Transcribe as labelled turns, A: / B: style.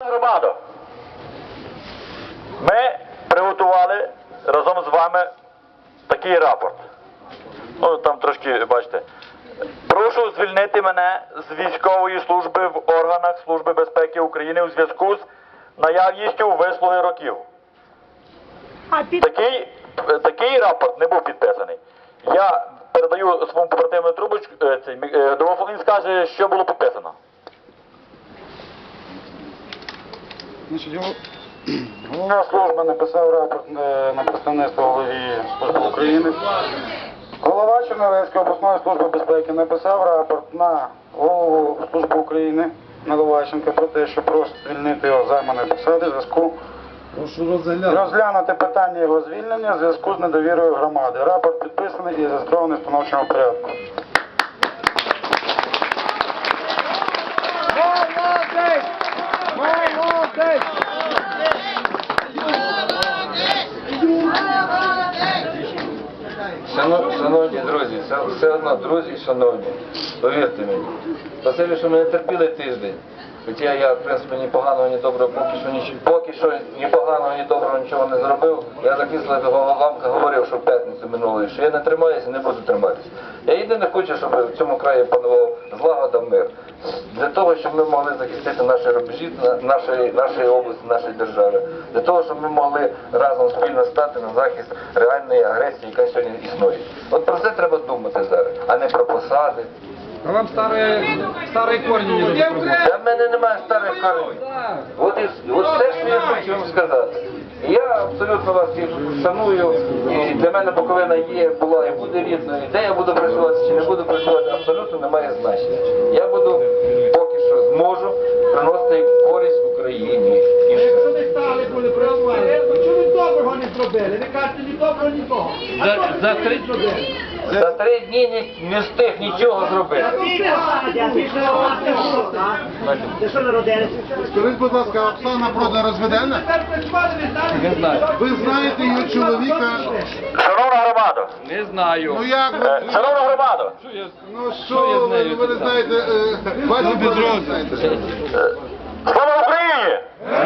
A: Громадо, ми приготували разом з вами такий рапорт. Ну, там трошки, бачите. Прошу звільнити мене з військової служби в органах Служби безпеки України у зв'язку з наявністю вислуги років. Такий рапорт не був підписаний. Я передаю своєму побратиму трубочку, домофон, він скаже, що було підписано.
B: Головна служба написав рапорт на представництво голові Служби України. Голова Чернівецької обласної служби безпеки написав рапорт на голову Служби України Наливайченка про те, що просить звільнити його з займаної посади в зв'язку розглянути питання його звільнення в зв'язку з недовірою громади. Рапорт підписаний і зареєстрований в встановчому порядку.
C: Шановні друзі, все одно, друзі, шановні, повірте мені, спасибі, що мене терпіли тиждень, хоча я, в принципі, ні поганого, ні доброго, поки що ні поганого, ні доброго нічого не зробив. Я закисло вам говорив, що в п'ятницю минулої, що я не тримаюся і не буду триматися. Я єдине хочу, щоб в цьому краї панував злагода, мир. Для того, щоб ми могли захистити наші рубежі, нашої області, нашої держави. Для того, щоб ми могли разом спільно стати на захист реальної агресії, яка сьогодні існує. От про це треба думати зараз, а не про посади.
D: А вам старые корни не нужно.
C: Для мене немає старих коренів. От все, що я хочу вам сказати. Я абсолютно вас всіх шаную, і для мене Буковина є, була і буде рідною. Де я буду працювати чи не буду працювати, абсолютно не має значення. Я буду, поки що зможу, приносити користь Україні.
E: Якщо ви стали, коли працювали, чому ви доброго не зробили? Ви кажете, ні доброго, ні того.
C: За 3 дні не встиг нічого зробити.
E: Ти що народилися?
F: Скажіть, будь ласка, Оксана Продан розведена?
C: Не знаю.
F: Ви знаєте її чоловіка?
A: Шановна громада,
D: Не знаю.
F: Ну як ви?
A: шановна громада,
F: Ну що ви не знаєте? Бачите, ви не знаєте.
A: слава Україні!